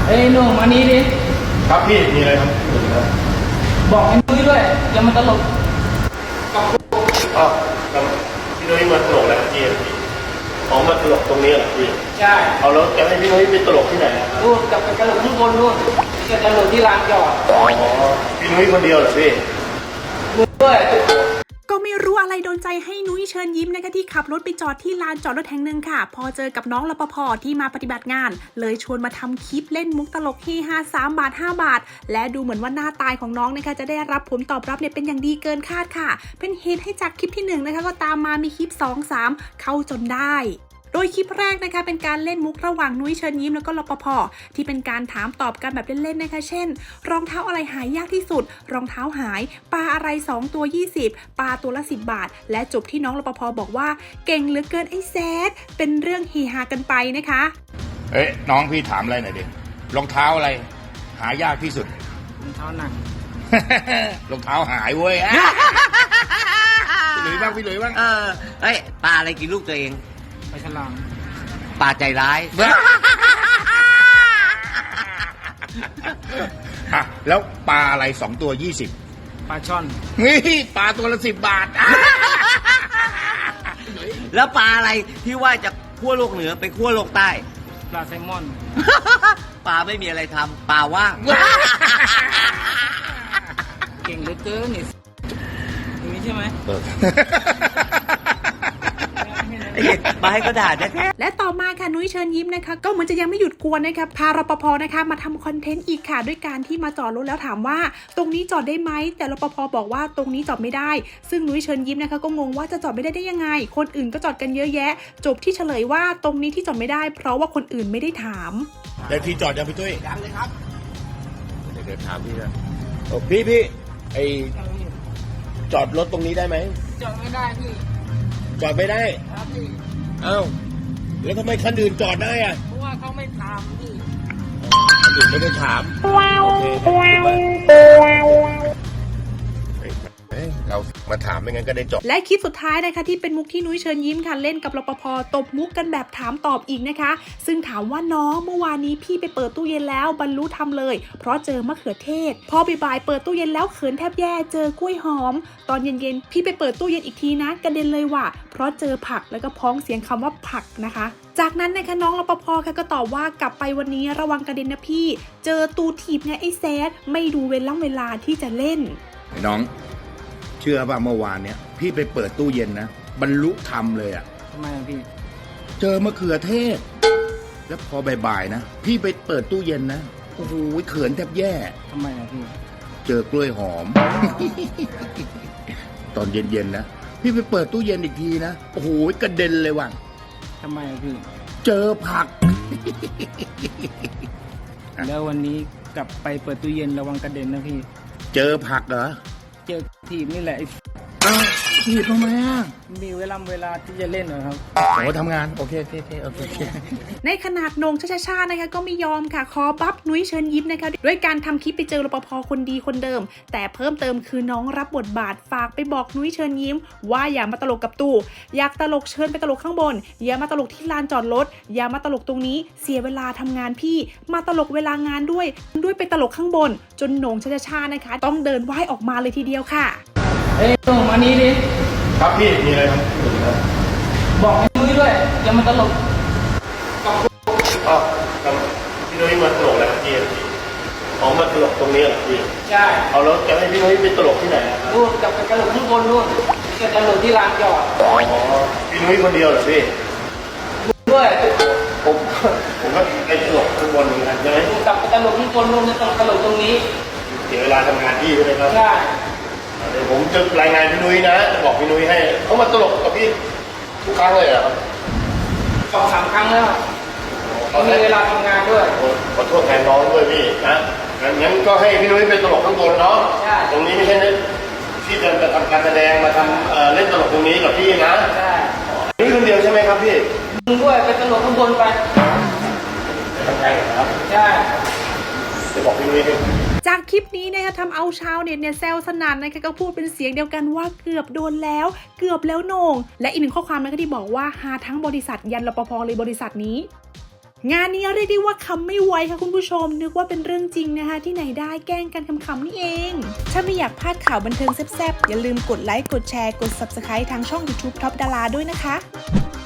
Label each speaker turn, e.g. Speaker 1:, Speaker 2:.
Speaker 1: เอ้ยหนุ่มอันนี้ดิ
Speaker 2: ครับพี่มีอะไรครับ
Speaker 1: บอกไอ้นุ้ยด้วยอย่ามันตลกกับ
Speaker 2: อ๋อครับพี่นุ้ยมาตลกแล้วพี่อ๋อมาตลกตรงนี้เหรอพี่
Speaker 1: ใช่
Speaker 2: เอาแล้วจะให้พี่นุ้ยไปตลกที่ไหนอ่ะ
Speaker 1: นู่นกับไปตลกข้างบนนู่นจะตลกที่ลานจอด
Speaker 2: อ๋อพี่นุ้ยคนเดียวเหรอพี่
Speaker 1: มึงด้วย
Speaker 3: ก็ไม่รู้อะไรโดนใจให้นุ้ยเชิญยิ้มนะคะที่ขับรถไปจอดที่ลานจอดรถแห่งหนึ่งค่ะพอเจอกับน้องรปภ.ที่มาปฏิบัติงานเลยชวนมาทำคลิปเล่นมุกตลกที่3 บาท 5 บาทและดูเหมือนว่าหน้าตายของน้องนะคะจะได้รับผลตอบรับเนี่ยเป็นอย่างดีเกินคาดค่ะเป็นเหตุให้จากคลิปที่1นะคะก็ตามมามีคลิป2 3เข้าจนได้โดยคลิปแรกนะคะเป็นการเล่นมุกระหว่างนุ้ยเชิญยิ้มแล้วก็รปภ.ที่เป็นการถามตอบกันแบบเล่นๆนะคะเช่นรองเท้าอะไรหายยากที่สุดรองเท้าหายปลาอะไร2ตัว20ปลาตัวละ10 บาทและจบที่น้องรปภ.บอกว่าเก่งเหลือเกินไอ้แซดเป็นเรื่องเฮฮากันไปนะคะ
Speaker 4: เอ๊ะน้องพี่ถามอะไรหน่อยดิรองเท้าอะไรหายากที่สุด
Speaker 1: รองเท้าหนัง
Speaker 4: รองเท้าหายเว้ยพี่หลุยบ้างพี่หลุยบ้าง
Speaker 5: เอ้ยปลาอะไรกินลูกตัวเอง
Speaker 1: ปลาฉลาม
Speaker 5: ปลาใจร้าย
Speaker 4: แล้วปลาอะไร2 ตัว20
Speaker 1: ปลาช่อน
Speaker 4: นี่ปลาตัวละ10 บาท
Speaker 5: แล้วปลาอะไรที่ว่าจะขั้วโลกเหนือไปขั้วโลกใต้
Speaker 1: ปลาแซลมอน
Speaker 5: ปลาไม่มีอะไรทำปลาว่าง
Speaker 1: เก่งเหลือเกินนี่อย่างนี้ใช่ไหม
Speaker 5: มาให้ก็ด่าแท้
Speaker 3: และต่อมาค่ะนุ้ยเชิญยิ้มนะคะก็เหมือนจะยังไม่หยุดกวนนะคะพารปภ.นะคะมาทำคอนเทนต์อีกค่ะด้วยการที่มาจอดรถแล้วถามว่าตรงนี้จอดได้ไหมแต่รปภ.บอกว่าตรงนี้จอดไม่ได้ซึ่งนุ้ยเชิญยิ้มนะคะก็งงว่าจะจอดไม่ได้ยังไงคนอื่นก็จอดกันเยอะแยะจบที่เฉลยว่าตรงนี้ที่จอดไม่ได้เพราะว่าคนอื่นไม่ได้ถาม
Speaker 4: แล้วที่จอดยังพี่ตุ้ย
Speaker 5: ยังเลยครับ
Speaker 4: เดี๋ยวถามพี่นะพี่ไอจอดรถตรงนี้ได้ไหม
Speaker 1: จอดไม่ได้พี่
Speaker 4: จอดไม่ได้
Speaker 1: ครับพี่
Speaker 4: อ้าวแล้วทำไมคันอื่นจอดได้อะ
Speaker 1: เพราะว่าเขาไม่ถามพี่
Speaker 4: คันอื่นไม่ได้ถามโอเคเรามาถามไม่งั้นก็ได้จบ
Speaker 3: และคลิปสุดท้ายนะคะที่เป็นมุกที่นุ้ยเชิญยิ้มค่ะเล่นกับรปภ.ตบมุกกันแบบถามตอบอีกนะคะซึ่งถามว่าน้องเมื่อวานนี้พี่ไปเปิดตู้เย็นแล้วบรรลุทำเลยเพราะเจอมะเขือเทศพอบ่ายเปิดตู้เย็นแล้วเขินแทบแย่เจอกล้วยหอมตอนเย็นๆพี่ไปเปิดตู้เย็นอีกทีนะกระเด็นเลยว่ะเพราะเจอผักแล้วก็พ้องเสียงคำว่าผักนะคะจากนั้นนะคะน้องรปภ.ค่ะก็ตอบว่ากลับไปวันนี้ระวังกระเด็นนะพี่เจอตูถีบไงไอ้แซดไม่ดูเวลาที่จะเล่น
Speaker 4: ไอ้น้องเชื่อป่ะเมื่อวานเนี้ยพี่ไปเปิดตู้เย็นนะบรรลุธรรมเลยอ่ะ
Speaker 1: ทำไมพี่
Speaker 4: เจอมะเขือเทศแล้วพอบ่ายๆนะพี่ไปเปิดตู้เย็นนะโอ้โหเขินแทบแย่
Speaker 1: ทำไมพี่
Speaker 4: เจอกล้วยหอม ตอนเย็นๆนะพี่ไปเปิดตู้เย็นอีกทีนะโอ้โหกระเด็นเลยว่ะ
Speaker 1: ทำไมพี่
Speaker 4: เจอผัก
Speaker 1: แล้ววันนี้กลับไปเปิดตู้เย็นระวังกระเด็นนะพี่
Speaker 4: เจอผักเหรอ
Speaker 1: เจอทีมนี่แหละ
Speaker 4: ถีบทำไมอ่ะ
Speaker 1: มีเวลาที่จะเล่นเหรอครับ
Speaker 4: โอ้ทำงานโอเค
Speaker 3: ในขนาดนงชานะคะก็ไม่ยอมค่ะขอบัฟนุ้ยเชิญยิ้มนะคะด้วยการทำคลิปไปเจอรปภ.คนดีคนเดิมแต่เพิ่มเติมคือน้องรับบทบาทฝากไปบอกนุ้ยเชิญยิ้มว่าอย่ามาตลกกับตู่อยากตลกเชิญไปตลกข้างบนอย่ามาตลกที่ลานจอดรถอย่ามาตลกตรงนี้เสียเวลาทำงานพี่มาตลกเวลางานด้วยไปตลกข้างบนจนนงชานะคะต้องเดินไหว้ออกมาเลยทีเดียวค่ะ
Speaker 1: เอ้ยหนุ่มอันนี้ดิ
Speaker 2: ครับพี่มีอะไรครับ
Speaker 1: บอกไอ้นุ้ยด้วยอย่ามันตลก
Speaker 2: กับอ๋อครับพี่นุ้ยมาตลกแล้วพี่อ๋อมาตลกตรงนี้เหรอพี่
Speaker 1: ใช่
Speaker 2: เอาแล้วจะให้พี่นุ้ยไปตลกที่ไหน
Speaker 1: นู่นกับไปตลกข้างบนนู่นจะตลกที่ลานจอด
Speaker 2: อ๋อพี่นุ้ยคนเดียวเหรอพี่
Speaker 1: ด้วย
Speaker 2: ผมก็ไปตลกข้างบนเหมือนกันใช่ไหม
Speaker 1: กับไปตลกข้างบนนู่นจะตลกตรงนี้
Speaker 2: เสียเวลาทำงานพี่ใช่ไหมครับ
Speaker 1: ใช่
Speaker 2: เดี๋ยวผมจะรายงานพี่นุ้ยนะจะบอกพี่นุ้ยให้เขามาตลกกับพี่ทุกครั้งเลยเหรอครับ
Speaker 1: 2-3 ครั้งแล้วเขามีเวลาทำงานด้วย
Speaker 2: ขอโทษแทนน้องด้วยพี่นะงั้นก็ให้พี่นุ้ยเป็นตลกข้างบนเนาะตรงนี้ไม่ใช่ที่จะทำการแสดงมาทำเล่นตลกตรงนี้กับพี่นะ
Speaker 1: ใช่
Speaker 2: นี่คนเดียวใช่ไหมครับพี่
Speaker 1: มึงด้วยเป็นตลกข้างบนไป
Speaker 2: ใช่ครับ
Speaker 1: ใช่
Speaker 2: จะบอกพี่นุ้ยให้
Speaker 3: จากคลิปนี้นะคะทำเอาชาวเน็ตเนี่ยแซวสนั่นนะคะก็พูดเป็นเสียงเดียวกันว่าเกือบโดนแล้วเกือบแล้วโหน่งและอีกหนึ่งข้อความนะคะที่บอกว่าหาทั้งบริษัทยันรปภ.เลยบริษัทนี้งานนี้เรียกได้ว่าคำไม่ไวค่ะคุณผู้ชมนึกว่าเป็นเรื่องจริงนะคะที่ไหนได้แกล้งกันคำๆนี่เองถ้าไม่อยากพลาดข่าวบันเทิงแซ่บๆอย่าลืมกดไลค์กดแชร์กด Subscribe ทางช่อง YouTube Top Dara ด้วยนะคะ